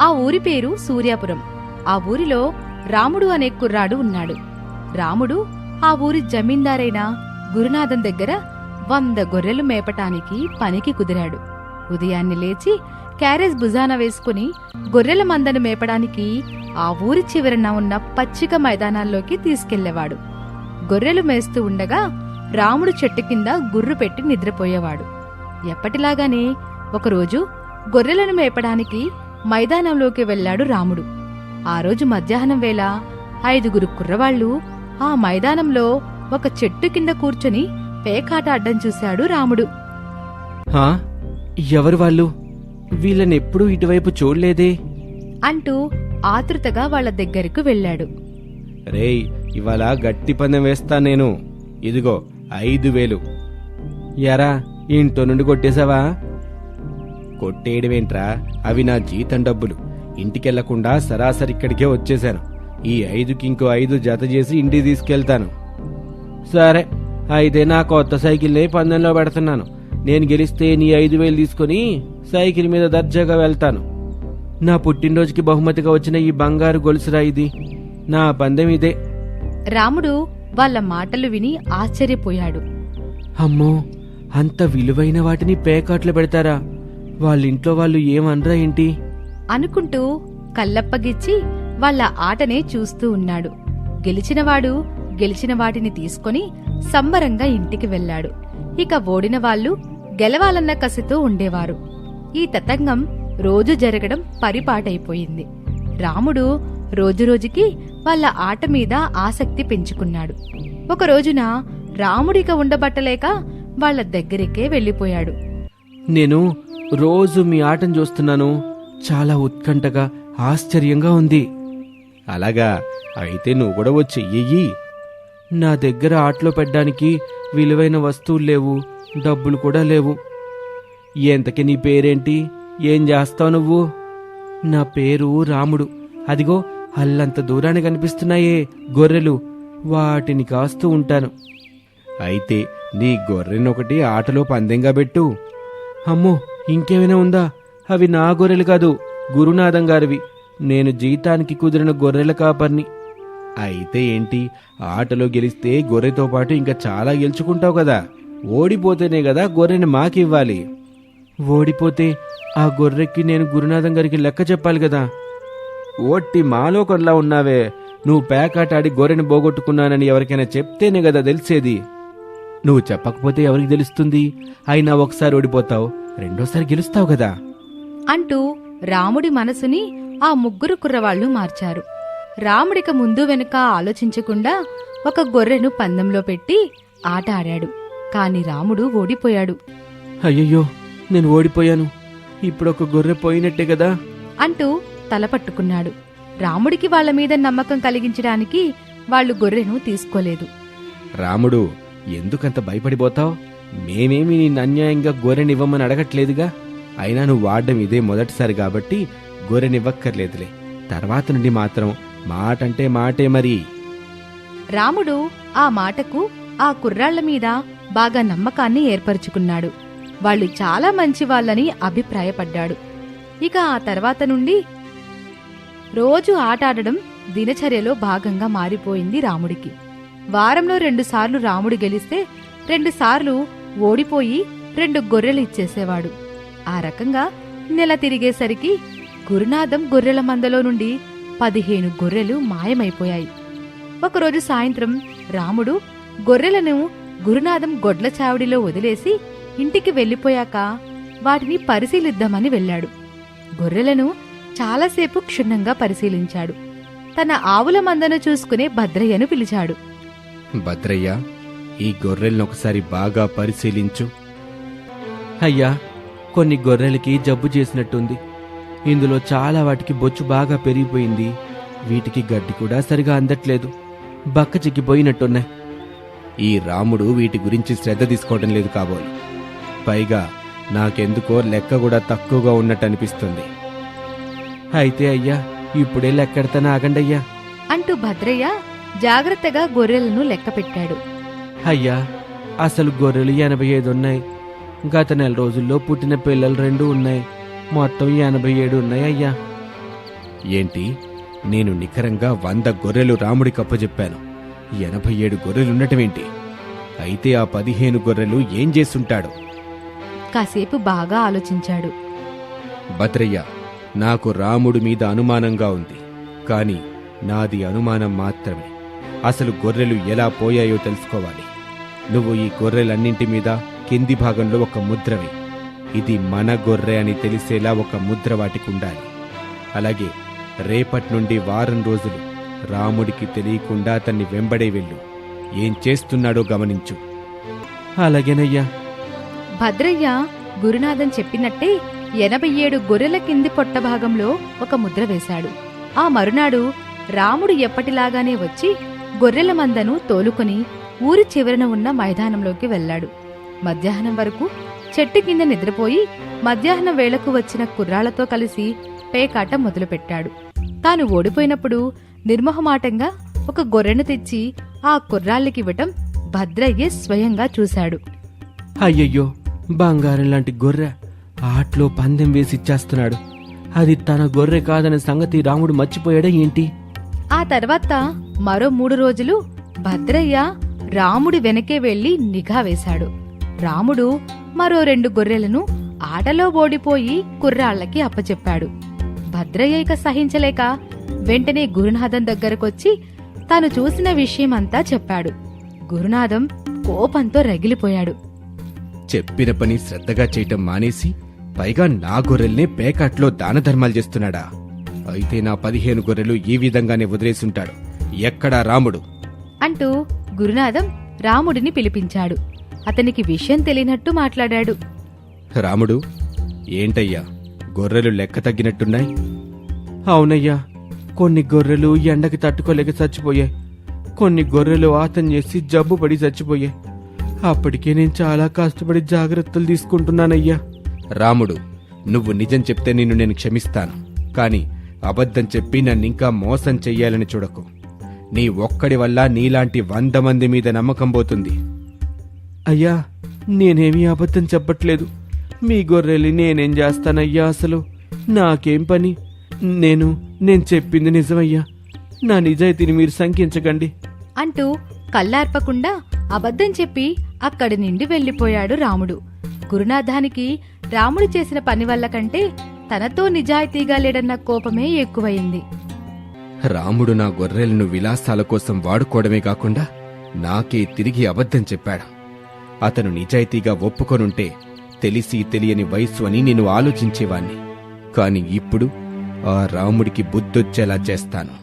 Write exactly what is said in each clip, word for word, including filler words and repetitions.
ఆ ఊరి పేరు సూర్యాపురం. ఆ ఊరిలో రాముడు అనే కుర్రాడు ఉన్నాడు. రాముడు ఆ ఊరి జమీందారైన గురునాథం దగ్గర వంద గొర్రెలు మేపటానికి పనికి కుదిరాడు. ఉదయాన్నే లేచి క్యారేజ్ భుజాన వేసుకుని గొర్రెల మందను మేపడానికి ఆ ఊరి చివరన ఉన్న పచ్చిక మైదానాల్లోకి తీసుకెళ్లేవాడు. గొర్రెలు మేస్తూ ఉండగా రాముడు చెట్టు కింద గుర్రు పెట్టి నిద్రపోయేవాడు. ఎప్పటిలాగానే ఒకరోజు గొర్రెలను మేపడానికి మైదానంలోకి వెళ్లాడు రాముడు. ఆ రోజు మధ్యాహ్నం వేళ ఐదుగురు కుర్రవాళ్లు ఆ మైదానంలో ఒక చెట్టు కింద కూర్చొని పేకాట అడ్డం చూశాడు రాముడు. హా, ఎవరు వాళ్ళు? వీళ్ళనెప్పుడూ ఇటువైపు చూడలేదే అంటూ ఆతృతగా వాళ్ల దగ్గరకు వెళ్లాడు. రేయ్, ఇవాళ గట్టి పందెం వేస్తా నేను. ఇదిగో ఐదు వేలు. ఎరా, ఇంట్లో నుండి కొట్టేశావా? కొట్టేయడమేంట్రా, అవి నా జీతం డబ్బులు. ఇంటికెళ్లకుండా సరాసరి ఇక్కడికే వచ్చేశాను. ఈ ఐదుకి ఇంకో ఐదు జత చేసి ఇంటికి తీసుకెళ్తాను. సరే, అయితే నా కొత్త సైకిల్నే పందెంలో పెడుతున్నాను. నేను గెలిస్తే నీ ఐదు వేలు తీసుకుని సైకిల్ మీద దర్జాగా వెళ్తాను. నా పుట్టినరోజుకి బహుమతిగా వచ్చిన ఈ బంగారు గొలుసురా ఇది. నా పందెం ఇదే. రాముడు వాళ్ళ మాటలు విని ఆశ్చర్యపోయాడు. అమ్మో, అంత విలువైన వాటిని పేకాట్లు పెడతారా? వాళ్ళింట్లో వాళ్ళు ఏమనరా ఏంటి అనుకుంటూ కళ్ళప్పగిచ్చి వాళ్ళ ఆటనే చూస్తూ ఉన్నాడు. గెలిచినవాడు గెలిచిన వాటిని తీసుకొని సంబరంగా ఇంటికి వెళ్లాడు. ఇక ఓడిన వాళ్ళు గెలవాలన్న కసితో ఉండేవారు. ఈ తతంగం రోజు జరగడం పరిపాటైపోయింది. రాముడు రోజురోజుకి వాళ్ళ ఆట మీద ఆసక్తి పెంచుకున్నాడు. ఒక రోజున రాముడిక ఉండబట్టలేక వాళ్ల దగ్గరికే వెళ్లిపోయాడు. నేను రోజు మీ ఆటను చూస్తున్నాను. చాలా ఉత్కంఠగా, ఆశ్చర్యంగా ఉంది. అలాగా, అయితే నువ్వు కూడా వచ్చి చెయ్యి. నా దగ్గర ఆటలో పెట్టడానికి విలువైన వస్తువులు లేవు, డబ్బులు కూడా లేవు. ఎంతకి నీ పేరేంటి? ఏం చేస్తావు నువ్వు? నా పేరు రాముడు. అదిగో అల్లంత దూరాన్ని కనిపిస్తున్నాయే గొర్రెలు, వాటిని కాస్తూ ఉంటాను. అయితే నీ గొర్రెనొకటి ఆటలో పందెంగా పెట్టు. అమ్మో, ఇంకేమైనా ఉందా? అవి నా గొర్రెలు కాదు, గురునాథం గారివి. నేను జీతానికి కుదిరిన గొర్రెల కాపర్ని. అయితే ఏంటి, ఆటలో గెలిస్తే గొర్రెతో పాటు ఇంకా చాలా గెలుచుకుంటావు కదా. ఓడిపోతేనే కదా గొర్రెని మాకివ్వాలి. ఓడిపోతే ఆ గొర్రెకి నేను గురునాథం గారికి లెక్క చెప్పాలి కదా. ఓట్టి మాలోకంలా ఉన్నావే. నువ్వు పేకాట ఆడి గొర్రెని పోగొట్టుకున్నానని ఎవరికైనా చెప్తేనే కదా తెలిసేది. నువ్వు చెప్పకపోతే ఎవరికి తెలుస్తుంది? అయినా ఒకసారి ఓడిపోతావు, రెండోసారి గెలుస్తావు కదా అంటూ రాముడి మనసుని ఆ ముగ్గురు కుర్రవాళ్లు మార్చారు. రాముడిక ముందు వెనుక ఆలోచించకుండా ఒక గొర్రెను పందెంలో పెట్టి ఆట ఆడాడు. కాని రాముడు ఓడిపోయాడు. అయ్యయ్యో, నేను ఓడిపోయాను. ఇప్పుడొక గొర్రె పోయినట్టే కదా అంటూ తల పట్టుకున్నాడు. రాముడికి వాళ్ల మీద నమ్మకం కలిగించడానికి వాళ్లు గొర్రెను తీసుకోలేదు. రాముడు, ఎందుకంత భయపడిపోతావు? మేమేమి నిన్ను అన్యాయంగా గొర్రెనివ్వమని అడగట్లేదుగా. అయినా నువ్వు వాడడం ఇదే మొదటిసారి కాబట్టి గొర్రెనివ్వక్కర్లేదులే. తర్వాత నుండి మాత్రం మాటంటే మాటే మరి. రాముడు ఆ మాటకు ఆ కుర్రాళ్ల మీద బాగా నమ్మకాన్ని ఏర్పరచుకున్నాడు. వాళ్ళు చాలా మంచి వాళ్ళని అభిప్రాయపడ్డాడు. ఇక ఆ తర్వాత నుండి రోజు ఆటాడడం దినచర్యలో భాగంగా మారిపోయింది రాముడికి. వారంలో రెండుసార్లు రాముడు గెలిస్తే రెండుసార్లు ఓడిపోయి రెండు గొర్రెలు ఇచ్చేసేవాడు. ఆ రకంగా నెల తిరిగేసరికి గురునాథం గొర్రెల మందలో నుండి పదిహేను గొర్రెలు మాయమైపోయాయి. ఒకరోజు సాయంత్రం రాముడు గొర్రెలను గురునాథం గొడ్ల చావడిలో వదిలేసి ఇంటికి వెళ్లిపోయాక వాటిని పరిశీలిద్దామని వెళ్లాడు. గొర్రెలను చాలాసేపు క్షుణ్ణంగా పరిశీలించాడు. తన ఆవుల మందను చూసుకునే భద్రయ్యను పిలిచాడు. భద్రయ్య, ఈ గొర్రెలనొకసారి బాగా పరిశీలించు. అయ్యా, కొన్ని గొర్రెలకి జబ్బు చేసినట్టుంది. ఇందులో చాలా వాటికి బొచ్చు బాగా పెరిగిపోయింది. వీటికి గడ్డి కూడా సరిగా అందట్లేదు. బక్క చిక్కిపోయినట్టున్నాయి. ఈ రాముడు వీటి గురించి శ్రద్ధ తీసుకోవడం లేదు కాబోలు. పైగా నాకెందుకో లెక్క కూడా తక్కువగా ఉన్నట్టు అనిపిస్తుంది. అయితే అయ్యా, ఇప్పుడే లెక్కెడతాను, ఆగండయ్యా అంటూ భద్రయ్య జాగ్రత్తగా గొర్రెలను లెక్క పెట్టాడు. అయ్యా, అసలు గొర్రెలు ఎనభై ఐదు ఉన్నాయి. గత నెల రోజుల్లో పుట్టిన పిల్లలు రెండు ఉన్నాయి. మొత్తం ఎనభై ఏడు ఉన్నాయి అయ్యా. ఏంటి, నేను నికరంగా వంద గొర్రెలు రాముడికి అప్పచెప్పాను, ఎనభై ఏడు గొర్రెలుండటమేంటి? అయితే ఆ పదిహేను గొర్రెలు ఏం చేసుంటాడు? కాసేపు బాగా ఆలోచించాడు. భద్రయ్య, నాకు రాముడి మీద అనుమానంగా ఉంది, కాని నాది అనుమానం మాత్రమే. అసలు గొర్రెలు ఎలా పోయాయో తెలుసుకోవాలి. నువ్వు ఈ గొర్రెలన్నింటి మీద కింది భాగంలో ఒక ముద్రవి. ఇది మన గొర్రె అని తెలిసేలా ఒక ముద్ర వాటికి ఉండాలి. అలాగే రేపటి నుండి వారం రోజులు రాముడికి తెలియకుండా అతన్ని వెంబడే వెళ్ళు. ఏం చేస్తున్నాడో గమనించు. అలాగేనయ్యా. భద్రయ్య గురునాథం చెప్పినట్టే ఎనభై ఏడు గొర్రెల కింది పొట్ట భాగంలో ఒక ముద్ర వేశాడు. ఆ మరునాడు రాముడు ఎప్పటిలాగానే వచ్చి గొర్రెల మందను తోలుకొని ఊరి చివరన ఉన్న మైదానంలోకి వెళ్లాడు. మధ్యాహ్నం వరకు చెట్టు కింద నిద్రపోయి మధ్యాహ్నం వేళకు వచ్చిన కుర్రాళ్లతో కలిసి పేకాట మొదలుపెట్టాడు. తాను ఓడిపోయినప్పుడు నిర్మోహమాటంగా ఒక గొర్రెను తెచ్చి ఆ కుర్రాళ్ళకివ్వటం భద్రయ్య స్వయంగా చూశాడు. అయ్యయ్యో, బంగారం లాంటి గొర్రె ఆట్లో పందెం వేసిచ్చేస్తున్నాడు. అది తన గొర్రె కాదనే సంగతి రాముడు మర్చిపోయాడా ఏంటి? ఆ తర్వాత మరో మూడు రోజులు భద్రయ్య రాముడి వెనకే వెళ్లి నిఘా వేశాడు. రాముడు మరో రెండు గొర్రెలను ఆటలో ఓడిపోయి కుర్రాళ్లకి అప్పచెప్పాడు. భద్రయ్య ఇక సహించలేక వెంటనే గురునాథం దగ్గరకొచ్చి తాను చూసిన విషయమంతా చెప్పాడు. గురునాథం కోపంతో రగిలిపోయాడు. చెప్పిన పని శ్రద్ధగా చేయటం మానేసి పైగా నా గొర్రెల్నే పేకాట్లో దానధర్మాలు చేస్తున్నాడా? అయితే నా పదిహేను గొర్రెలు ఈ విధంగానే వదిలేసుంటాడు. ఎక్కడా రాముడు? అంటూ గురునాథం రాముడిని పిలిపించాడు. అతనికి విషయం తెలియనట్టు మాట్లాడాడు. రాముడు, ఏంటయ్యా, గొర్రెలు లెక్క తగ్గినట్టున్నాయి? అవునయ్యా, కొన్ని గొర్రెలు ఎండకి తట్టుకోలేక చచ్చిపోయాయి. కొన్ని గొర్రెలు ఆతం చేసి జబ్బు పడి చచ్చిపోయాయి. అప్పటికే నేను చాలా కష్టపడి జాగ్రత్తలు తీసుకుంటున్నానయ్యా. రాముడు, నువ్వు నిజం చెప్తే నిన్ను నేను క్షమిస్తాను. కాని అబద్ధం చెప్పి నన్నింకా మోసం చెయ్యాలని చూడకు. నీ ఒక్కడి వల్ల నీలాంటి వంద మంది మీద నమ్మకం పోతుంది. అయ్యా, నేనేమీ అబద్ధం చెప్పట్లేదు. మీ గొర్రెలి నేనేం చేస్తానయ్యా? అసలు నాకేం పని? నేను నేను చెప్పింది నిజమయ్యా. నా నిజాయితీని మీరు శంకించకండి అంటూ కళ్ళార్పకుండా అబద్ధం చెప్పి అక్కడి నుండి వెళ్లిపోయాడు రాముడు. గురునాథానికి రాముడు చేసిన పని వల్ల కంటే తనతో నిజాయితీగా లేడన్న కోపమే ఎక్కువయింది. రాముడు నా గొర్రెలను విలాసాల కోసం వాడుకోవడమే కాకుండా నాకే తిరిగి అబద్ధం చెప్పాడు. అతను నిజాయితీగా ఒప్పుకొనుంటే తెలిసి తెలియని వయస్సు అని నేను ఆలోచించేవాణ్ణి. కాని ఇప్పుడు ఆ రాముడికి బుద్ధొచ్చేలా చేస్తాను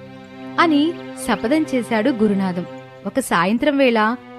అని శపథం చేశాడు గురునాథం. ఒక సాయంత్రం వేళ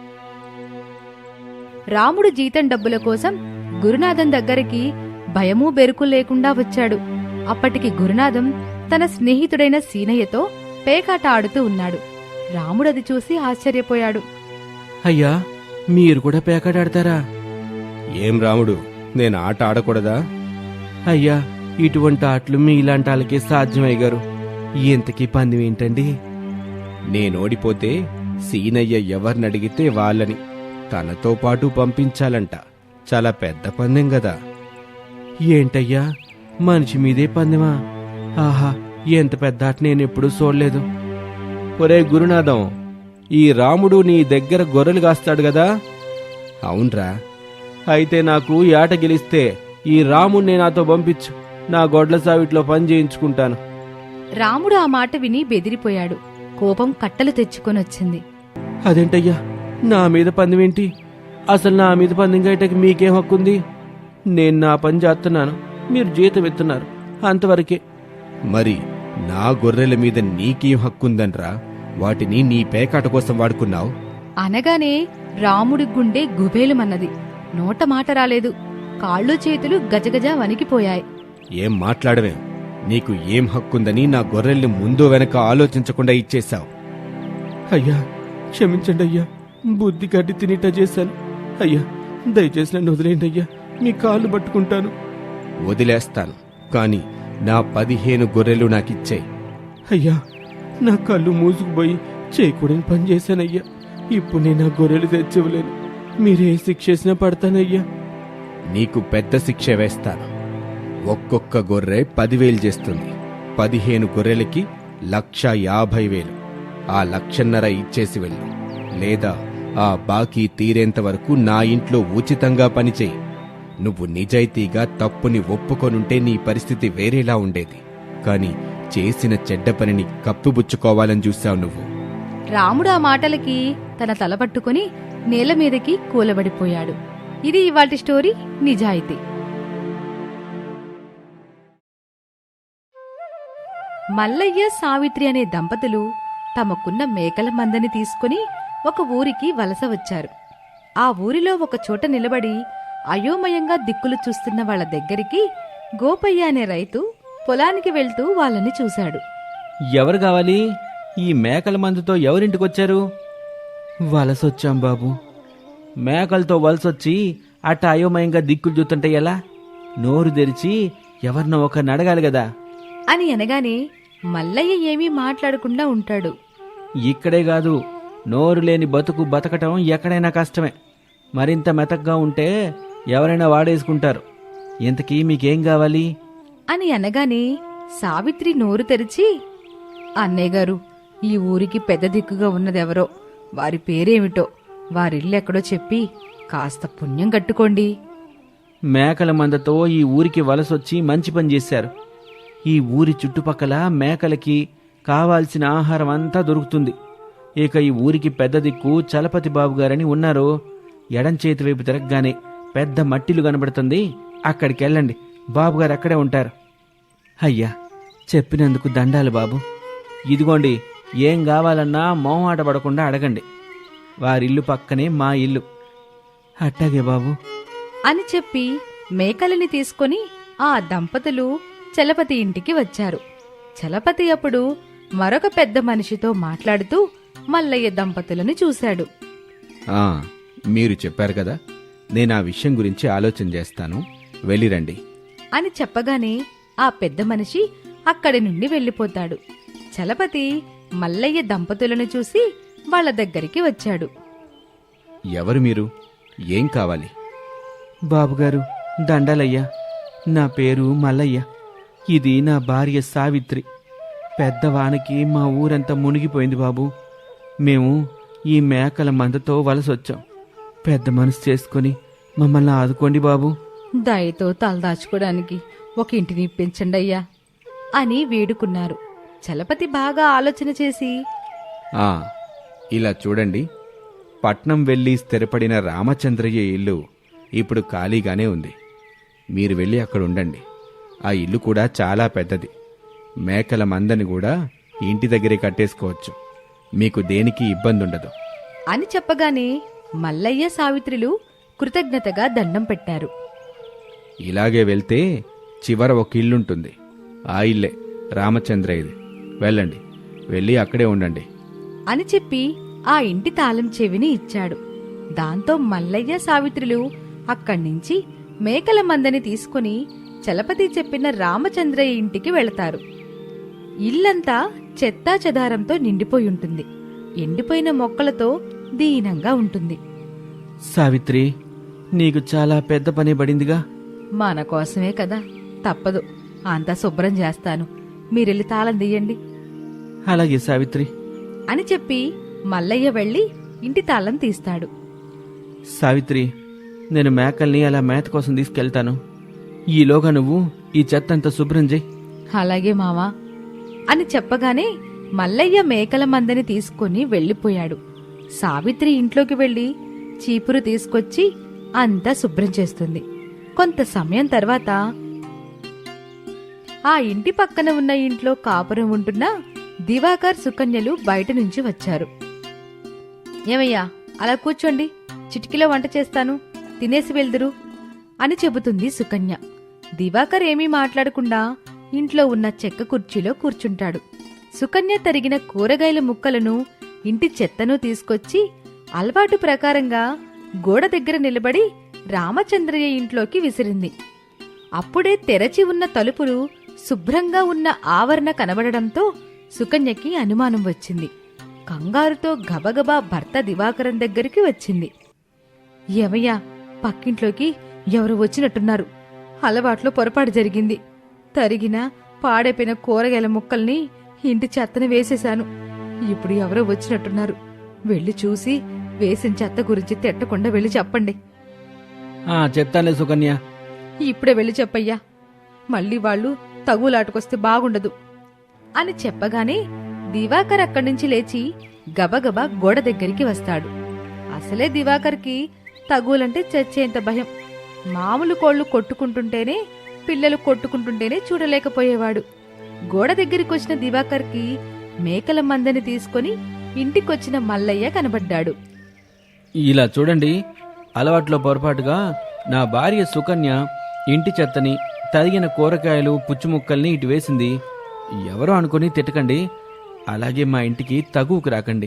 రాముడు జీతం డబ్బుల కోసం గురునాథం దగ్గరికి భయమూ బెరుకు లేకుండా వచ్చాడు. అప్పటికి గురునాథం తన స్నేహితుడైన సీనయ్యతో పేకాట ఆడుతూ ఉన్నాడు. రాముడది చూసి ఆశ్చర్యపోయాడు. అయ్యా, మీరు కూడా పేకాట ఆడతారా? ఏం రాముడు, నేను ఆట ఆడకూడదా? అయ్యా, ఇటువంటి ఆటలు మీ ఇలాంటి వాళ్ళకే సాధ్యమయ్యారు. ఎంతకీ పందెం ఏంటండి? నేనోడిపోతే సీనయ్య ఎవరినడిగితే వాళ్ళని తనతో పాటు పంపించాలంట. చాలా పెద్ద పందెం గదా. ఏంటయ్యా, మనిషి మీదే పందెమా? ఆహా, ఎంత పెద్ద ఆట నేనెప్పుడూ చూడలేదు. ఒరే గురునాథం, ఈ రాముడు నీ దగ్గర గొర్రెలు కాస్తాడు గదా? అవునరా. అయితే నాకు ఈ ఆట గెలిస్తే ఈ రాముణ్ణి నాతో పంపించు. నా గొడ్ల సావిట్లో పని చేయించుకుంటాను. రాముడు ఆ మాట విని బెదిరిపోయాడు. కోపం కట్టలు తెచ్చుకొనొచ్చింది. అదేంటయ్యా, నా మీద పందెమేంటి? అసలు నా మీద పందెం గయటకి మీకేం హక్కుంది? నేను నా పని చేస్తున్నాను, మీరు జీతం ఎత్తున్నారు, అంతవరకే. మరి నా గొర్రెల మీద నీకేం హక్కుందన్రా? వాటిని నీ పేకాట కోసం వాడుకున్నావు అనగానే రాముడి గుండె గుబేలుమన్నది. నోట మాట రాలేదు. కాళ్ళు చేతులు గజగజ వణికిపోయాయి. ఏం మాట్లాడవేం? నీకు ఏం హక్కుందని నా గొర్రెల్ని ముందు వెనక ఆలోచించకుండా ఇచ్చేశావు. అయ్యా, క్షమించండి అయ్యా, బుద్ధి గడ్డి తినిట చేశాను. అయ్యా, దయచేసి నన్ను వదిలేయండి అయ్యా, మీ కాళ్ళు పట్టుకుంటాను. వదిలేస్తాను, కాని నా పదిహేను గొర్రెలు నాకిచ్చాయి. అయ్యా, నా కళ్ళు మూసుకుపోయి చేయకూడని పని చేశానయ్యా. ఇప్పుడు నేను నా గొర్రెలు తెచ్చివ్వలేను. మీరే శిక్ష వేసినా పడతానయ్యా. నీకు పెద్ద శిక్ష వేస్తాను. ఒక్కొక్క గొర్రె పదివేలు చేస్తుంది. పదిహేను గొర్రెలకి లక్ష యాభై వేలు ఆ లక్షన్నర ఇచ్చేసి వెళ్ళు, లేదా ఆ బాకీ తీరేంత వరకు నా ఇంట్లో ఉచితంగా పనిచేయి. నువ్వు నిజాయితీగా తప్పుని ఒప్పుకొనుంటే నీ పరిస్థితి వేరేలా ఉండేది, కాని చేసిన చెడ్డ పనిని కప్పిబుచ్చుకోవాలని చూశావు నువ్వు. రాముడు ఆ మాటలకి తన తల పట్టుకుని నేల మీదకి కూలబడిపోయాడు. ఇది ఇవాల్టి స్టోరీ నిజాయితీ. మల్లయ్య సావిత్రి అనే దంపతులు తమకున్న మేకల మందని తీసుకుని ఒక ఊరికి వలస వచ్చారు. ఆ ఊరిలో ఒక చోట నిలబడి అయోమయంగా దిక్కులు చూస్తున్న వాళ్ల దగ్గరికి గోపయ్య అనే రైతు పొలానికి వెళ్తూ వాళ్ళని చూశాడు. ఎవరు కావాలి? ఈ మేకల మందుతో ఎవరింటికొచ్చారు? వలసొచ్చాం బాబు. మేకలతో వలసొచ్చి అట్ట అయోమయంగా దిక్కులు చూస్తుంటే ఎలా? నోరు తెరిచి ఎవరినో ఒకరిని అడగాలి కదా అని అనగానే మల్లయ్య ఏమీ మాట్లాడకుండా ఉంటాడు. ఇక్కడే కాదు, నోరు లేని బతుకు బతకటం ఎక్కడైనా కష్టమే. మరింత మెతగ్గా ఉంటే ఎవరైనా వాడేసుకుంటారు. ఇంతకీ మీకేం కావాలి అని అనగానే సావిత్రి నోరు తెరిచి, అన్నయ్య గారు, ఈ ఊరికి పెద్ద దిక్కుగా ఉన్నదెవరో, వారి పేరేమిటో, వారిల్లెక్కడో చెప్పి కాస్త పుణ్యం కట్టుకోండి. మేకల మందతో ఈ ఊరికి వలసొచ్చి మంచి పని చేశారు. ఈ ఊరి చుట్టుపక్కల మేకలకి కావాల్సిన ఆహారం అంతా దొరుకుతుంది. ఇక ఈ ఊరికి పెద్ద దిక్కు చలపతి బాబు గారని ఉన్నారు. ఎడం చేతి వైపు తిరగగానే పెద్ద మట్టిలు కనబడుతుంది, అక్కడికెళ్ళండి, బాబుగారు అక్కడే ఉంటారు. అయ్యా, చెప్పినందుకు దండాలు బాబు. ఇదిగోండి, ఏం కావాలన్నా మొహమాట పడకుండా అడగండి. వారిల్లు పక్కనే మా ఇల్లు. అట్టాగే బాబు అని చెప్పి మేకలని తీసుకొని ఆ దంపతులు చలపతి ఇంటికి వచ్చారు. చలపతి అప్పుడు మరొక పెద్ద మనిషితో మాట్లాడుతూ మల్లయ్య దంపతులను చూశాడు. ఆ మీరు చెప్పారు కదా, నేను ఆ విషయం గురించి ఆలోచన చేస్తాను, వెళ్ళిరండి అని చెప్పగానే ఆ పెద్ద మనిషి అక్కడి నుండి వెళ్ళిపోతాడు. చలపతి మల్లయ్య దంపతులను చూసి వాళ్ళ దగ్గరికి వచ్చాడు. ఎవరు మీరు? ఏం కావాలి? బాబుగారు, దండాలయ్యా. నా పేరు మల్లయ్య. ఇది నా భార్య సావిత్రి. పెద్దవానకి మా ఊరంతా మునిగిపోయింది బాబు. మేము ఈ మేకల మందతో వలసొచ్చాం. పెద్ద మనసు చేసుకుని మమ్మల్ని ఆదుకోండి బాబు. దయతో తలదాచుకోవడానికి ఒక ఇంటిని ఇప్పించండి అయ్యా అని వేడుకున్నారు. చలపతి బాగా ఆలోచన చేసి, ఆ ఇలా చూడండి, పట్నం వెళ్ళి స్థిరపడిన రామచంద్రయ్య ఇల్లు ఇప్పుడు ఖాళీగానే ఉంది. మీరు వెళ్ళి అక్కడ ఉండండి. ఆ ఇల్లు కూడా చాలా పెద్దది. మేకల మందని కూడా ఇంటి దగ్గరే కట్టేసుకోవచ్చు. మీకు దేనికి ఇబ్బంది ఉండదు అని చెప్పగానే మల్లయ్య సావిత్రులు కృతజ్ఞతగా దండం పెట్టారు. ఇలాగే వెళ్తే చివర ఒక ఇల్లుంటుంది. ఆ ఇల్లే రామచంద్రయ్యది. వెళ్ళండి, వెళ్ళి అక్కడే ఉండండి అని చెప్పి ఆ ఇంటి తాళం చెవిని ఇచ్చాడు. దాంతో మల్లయ్య సావిత్రులు అక్కడ్నించి మేకల మందని తీసుకుని చలపతి చెప్పిన రామచంద్రయ్య ఇంటికి వెళతారు. ఇల్లంతా చెత్తా చెదారంతో నిండిపోయుంటుంది. ఎండిపోయిన మొక్కలతో దీనంగా ఉంటుంది. సావిత్రి, నీకు చాలా పెద్ద పని పడిందిగా. మన కోసమే కదా, తప్పదు. అంతా శుభ్రం చేస్తాను, మీరెళ్ళి తాళం తీయండి అలాగే సావిత్రి అని చెప్పి మల్లయ్య వెళ్లి ఇంటి తాళం తీస్తాడు. సావిత్రి, నేను మేకల్ని అలా మేత కోసం తీసుకెళ్తాను. ఈలోగా నువ్వు ఈ చెత్తంతా శుభ్రం చేయి. అలాగే మావా అని చెప్పగానే మల్లయ్య మేకల మందని తీసుకుని వెళ్లిపోయాడు. సావిత్రి ఇంట్లోకి వెళ్లి చీపురు తీసుకొచ్చి అంతా శుభ్రం చేస్తుంది. కొంత సమయం తర్వాత ఆ ఇంటి పక్కన ఉన్న ఇంట్లో కాపురం ఉంటున్న దివాకర్ సుకన్యలు బయట నుంచి వచ్చారు. ఏమయ్యా, అలా కూర్చోండి, చిటికీలో వంట చేస్తాను, తినేసి వెళ్దురు అని చెబుతుంది సుకన్య. దివాకర్ ఏమీ మాట్లాడకుండా ఇంట్లో ఉన్న చెక్క కుర్చీలో కూర్చుంటాడు. సుకన్య తరిగిన కూరగాయల ముక్కలను, ఇంటి చెత్తను తీసుకొచ్చి అలవాటు ప్రకారంగా గోడ దగ్గర నిలబడి రామచంద్రయ్య ఇంట్లోకి విసిరింది. అప్పుడే తెరచి ఉన్న తలుపులు శుభ్రంగా ఉన్న ఆవరణ కనబడడంతో సుకన్యకి అనుమానం వచ్చింది. కంగారుతో గబగబా భర్త దివాకరం దగ్గరికి వచ్చింది. ఏమయ్యా, పక్కింట్లోకి ఎవరు వచ్చినట్టున్నారు, అలవాట్లో పొరపాటు జరిగింది, తరిగిన పాడైపోయిన కూరగాయల ముక్కల్ని ఇంటి చెత్తని వేసేశాను. ఇప్పుడు ఎవరో వచ్చినట్టున్నారు. వెళ్ళి చూసి వేసిన చెత్త గురించి తిట్టకుండా వెళ్ళి చెప్పండి. ఆ చెప్తానులే సుకన్య. ఇప్పుడే వెళ్ళి చెప్పయ్యా, మళ్ళీ వాళ్ళు తగులాటకొస్తే బాగుండదు అని చెప్పగానే దివాకర్ అక్కడి నుంచి లేచి గబగబా గోడ దగ్గరికి వస్తాడు. అసలే దివాకర్కి తగులంటే చచ్చేంత భయం. మామూలు కోళ్లు కొట్టుకుంటుంటేనే, పిల్లలు కొట్టుకుంటుంటేనే చూడలేకపోయేవాడు. గోడ దగ్గరికి వచ్చిన దివాకర్కి మేకల మందని తీసుకుని ఇంటికొచ్చిన మల్లయ్య కనబడ్డాడు. ఇలా చూడండి, అలవాట్లో పొరపాటుగా నా భార్య సుకన్య ఇంటి చెత్తని, తరిగిన కూరగాయలు, పుచ్చుముక్కల్ని ఇటు వేసింది. ఎవరో అనుకుని తిట్టకండి. అలాగే మా ఇంటికి తగువుకు రాకండి.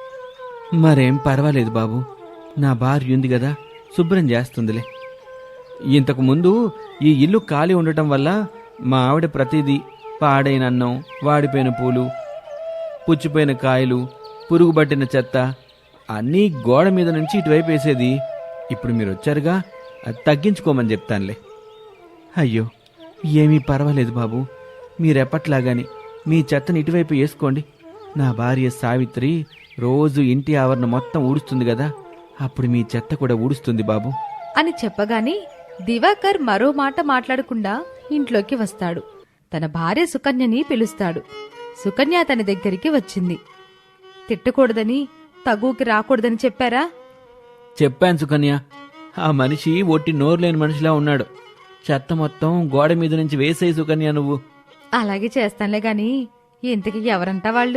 మరేం పర్వాలేదు బాబు, నా భార్య ఉంది కదా, శుభ్రం చేస్తుందిలే. ఇంతకు ముందు ఈ ఇల్లు ఖాళీ ఉండటం వల్ల మా ఆవిడ ప్రతిదీ పాడైన అన్నం, వాడిపోయిన పూలు, పుచ్చిపోయిన కాయలు, పురుగుబట్టిన చెత్త అన్నీ గోడ మీద నుంచి ఇటువైపు వేసేది. ఇప్పుడు మీరు వచ్చారుగా, అది తగ్గించుకోమని చెప్తానులే. అయ్యో, ఏమీ పర్వాలేదు బాబు, మీరెప్పట్లాగాని మీ చెత్తని ఇటువైపు వేసుకోండి. నా భార్య సావిత్రి రోజు ఇంటి ఆవరణ మొత్తం ఊడుస్తుంది కదా, అప్పుడు మీ చెత్త కూడా ఊడుస్తుంది బాబు అని చెప్పగానే దివాకర్ మరో మాట మాట్లాడకుండా ఇంట్లోకి వస్తాడు. తన భార్య సుకన్యని పిలుస్తాడు. సుకన్య తన దగ్గరికి వచ్చింది. తిట్టకూడదని, తగుకి రాకూడదని చెప్పారా? చెప్పాను సుకన్య. ఆ మనిషి ఒట్టి నోరులేని మనిషిలా ఉన్నాడు. చెత్త మొత్తం గోడ మీద నుంచి వేసేయి సుకన్య నువ్వు. అలాగే చేస్తానులే గాని ఇంతకీ ఎవరంటా వాళ్ళు?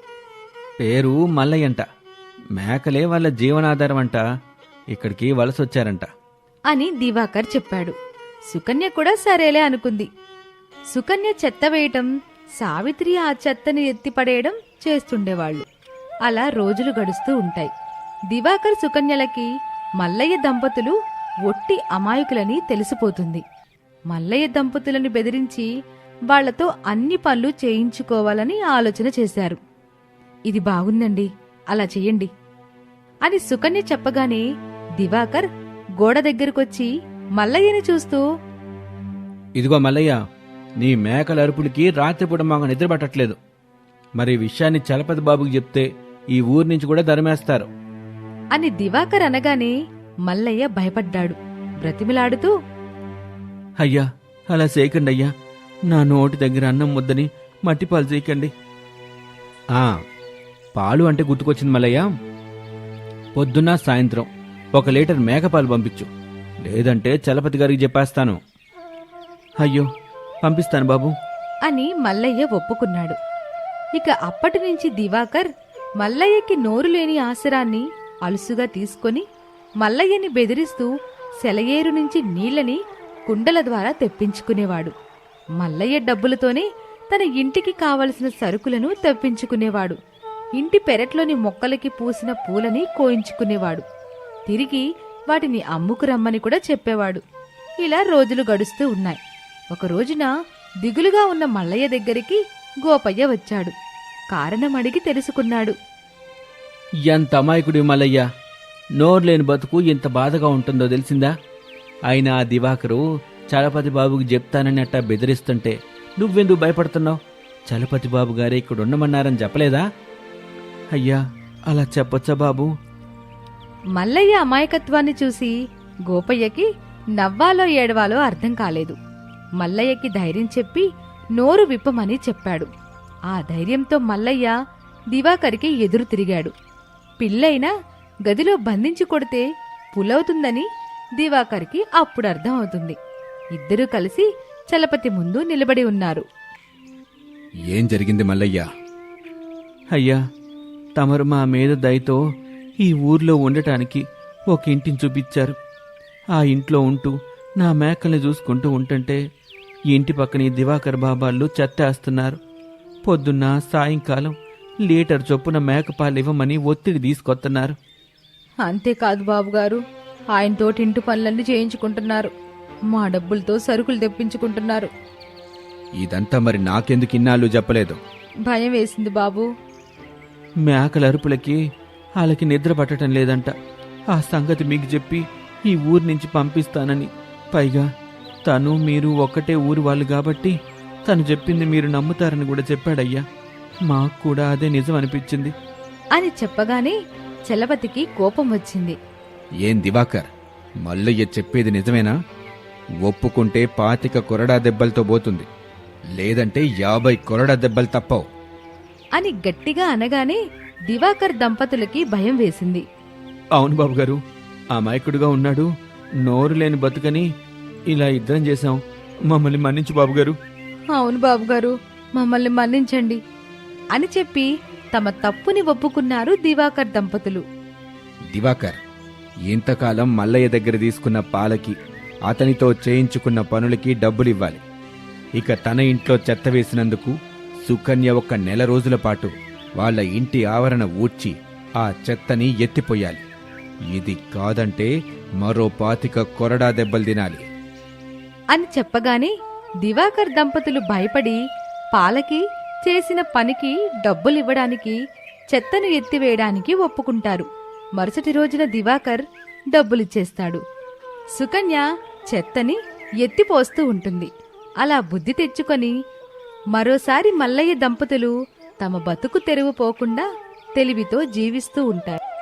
పేరు మల్లయ్యంట. మేకలే వాళ్ళ జీవనాధారం అంట. ఇక్కడికి వలసొచ్చారంట అని దివాకర్ చెప్పాడు. సుకన్య కూడా సరేలే అనుకుంది. సుకన్య చెత్త వేయటం, సావిత్రి ఆ చెత్తని ఎత్తిపడేయడం చేస్తుండేవాళ్లు. అలా రోజులు గడుస్తూ ఉంటాయి. దివాకర్ సుకన్యలకి మల్లయ్య దంపతులు ఒట్టి అమాయకులని తెలిసిపోతుంది. మల్లయ్య దంపతులను బెదిరించి వాళ్లతో అన్ని పనులు చేయించుకోవాలని ఆలోచన చేశారు. ఇది బాగుందండి, అలా చెయ్యండి అని సుకన్య చెప్పగానే దివాకర్ గోడ దగ్గరకొచ్చి మల్లయ్యని చూస్తూ, ఇదిగో మల్లయ్య, నీ మేకల అరుపులకి రాత్రిపూట మాకు నిద్ర పట్టట్లేదు. మరి ఈ విషయాన్ని చలపతి బాబుకి చెప్తే ఈ ఊరి నుంచి కూడా ధర్మేస్తారు అని దివాకర్ అనగానే మల్లయ్య భయపడ్డాడు. బ్రతిమిలాడుతూ, అయ్యా అలా చేయకండి అయ్యా, నా నోటి దగ్గర అన్నం ముద్దని మట్టిపాలు చేయకండి. ఆ పాలు అంటే గుర్తుకొచ్చింది మల్లయ్య, పొద్దున్న సాయంత్రం ఒక లీటర్ మేకపాలు పంపించు, లేదంటే చలపతి గారికి చెప్పేస్తాను. అయ్యో పంపిస్తాను బాబు అని మల్లయ్య ఒప్పుకున్నాడు. ఇక అప్పటి నుంచి దివాకర్ మల్లయ్యకి నోరు లేని ఆసరాన్ని అలుసుగా తీసుకొని మల్లయ్యని బెదిరిస్తూ సెలయేరు నుంచి నీళ్లని కుండల ద్వారా తెప్పించుకునేవాడు. మల్లయ్య డబ్బులతోనే తన ఇంటికి కావలసిన సరుకులను తెప్పించుకునేవాడు. ఇంటి పెరట్లోని మొక్కలకి పూసిన పూలని కోయించుకునేవాడు. తిరిగి వాటిని అమ్ముకురమ్మని కూడా చెప్పేవాడు. ఇలా రోజులు గడుస్తూ ఉన్నాయి. ఒక రోజున దిగులుగా ఉన్న మల్లయ్య దగ్గరికి గోపయ్య వచ్చాడు. కారణం అడిగి తెలుసుకున్నాడు. ఎంత అమాయకుడి మల్లయ్య, నోరులేని బతుకు ఎంత బాధగా ఉంటుందో తెలిసిందా? అయినా ఆ దివాకరు చలపతి బాబుకి చెప్తానని అట్టా బెదిరిస్తుంటే నువ్వెందుకు భయపడుతున్నావు? చలపతి బాబు గారే ఇక్కడ ఉండమన్నారని చెప్పలేదా? అయ్యా అలా చెప్పొచ్చా బాబు? మల్లయ్య అమాయకత్వాన్ని చూసి గోపయ్యకి నవ్వాలో ఏడవాలో అర్థం కాలేదు. మల్లయ్యకి ధైర్యం చెప్పి నోరు విప్పమని చెప్పాడు. ఆ ధైర్యంతో మల్లయ్య దివాకర్కి ఎదురు తిరిగాడు. పిల్లైనా గదిలో బంధించి కొడితే పులవుతుందని దివాకర్కి అప్పుడు అర్థం అవుతుంది. ఇద్దరూ కలిసి చలపతి ముందు నిలబడి ఉన్నారు. ఏం జరిగింది మల్లయ్య? అయ్యా తమరు మా మీద దయతో ఈ ఊర్లో ఉండటానికి ఒక ఇంటిని చూపించారు. ఆ ఇంట్లో ఉంటూ నా మేకల్ని చూసుకుంటూ ఉంటుంటే ఈ ఇంటి పక్కన ఈ దివాకర్ బాబాళ్ళు చెత్తేస్తున్నారు. పొద్దున్న సాయంకాలం లీటర్ చొప్పున మేకపాలు ఇవ్వమని ఒత్తిడి తీసుకొస్తున్నారు. అంతేకాదు బాబుగారు, ఆయనతోటి ఇంటి పనులన్నీ చేయించుకుంటున్నారు. మా డబ్బులతో సరుకులు తెప్పించుకుంటున్నారు. ఇదంతా మరి నాకెందుకు ఇన్నాళ్ళు చెప్పలేదు? భయం వేసింది బాబు. మేకల అరుపులకి వాళ్ళకి నిద్ర పట్టడం లేదంట. ఆ సంగతి మీకు చెప్పి ఈ ఊరి నుంచి పంపిస్తానని. పైగా తను మీరు ఒక్కటే ఊరు వాళ్ళు కాబట్టి తను చెప్పింది మీరు నమ్ముతారని కూడా చెప్పాడయ్యా. మాకు కూడా అదే నిజం అనిపించింది అని చెప్పగానే చలపతికి కోపం వచ్చింది. ఏం దివాకర్, మల్లయ్య చెప్పేది నిజమేనా? ఒప్పుకుంటే పాతిక కొరడా దెబ్బలతో పోతుంది, లేదంటే యాభై కొరడా దెబ్బలు తప్పవు అని గట్టిగా అనగానే దివాకర్ దంపతులకి భయం వేసింది. అవును బాబుగారు, అమాయకుడుగా ఉన్నాడు, నోరు లేని బతుకని ఇలా ఇద్దరం చేశాం. మమ్మల్ని మన్నించు బాబుగారు. అవును బాబుగారు, మమ్మల్ని మన్నించండి అని చెప్పి తమ తప్పుని ఒప్పుకున్నారు దివాకర్ దంపతులు. దివాకర్, ఇంతకాలం మల్లయ్య దగ్గర తీసుకున్న పాలకి, అతనితో చేయించుకున్న పనులకి డబ్బులివ్వాలి. ఇక తన ఇంట్లో చెత్త వేసినందుకు సుకన్య ఒక్క నెల రోజుల పాటు వాళ్ళ ఇంటి ఆవరణ ఊడ్చి ఆ చెత్తని ఎత్తిపోయాలి. ఇది కాదంటే మరో పాతిక కొరడా దెబ్బలు తినాలి అని చెప్పగానే దివాకర్ దంపతులు భయపడి పాలకి చేసిన పనికి డబ్బులివ్వడానికి చెత్తను ఎత్తివేయడానికి ఒప్పుకుంటారు. మరుసటి రోజున దివాకర్ డబ్బులిచ్చేస్తాడు. సుకన్య చెత్తని ఎత్తిపోస్తూ ఉంటుంది. అలా బుద్ధి తెచ్చుకొని మరోసారి మల్లయ్య దంపతులు తమ బతుకు తెరువు పోకుండా తెలివితో జీవిస్తూ ఉంటారు.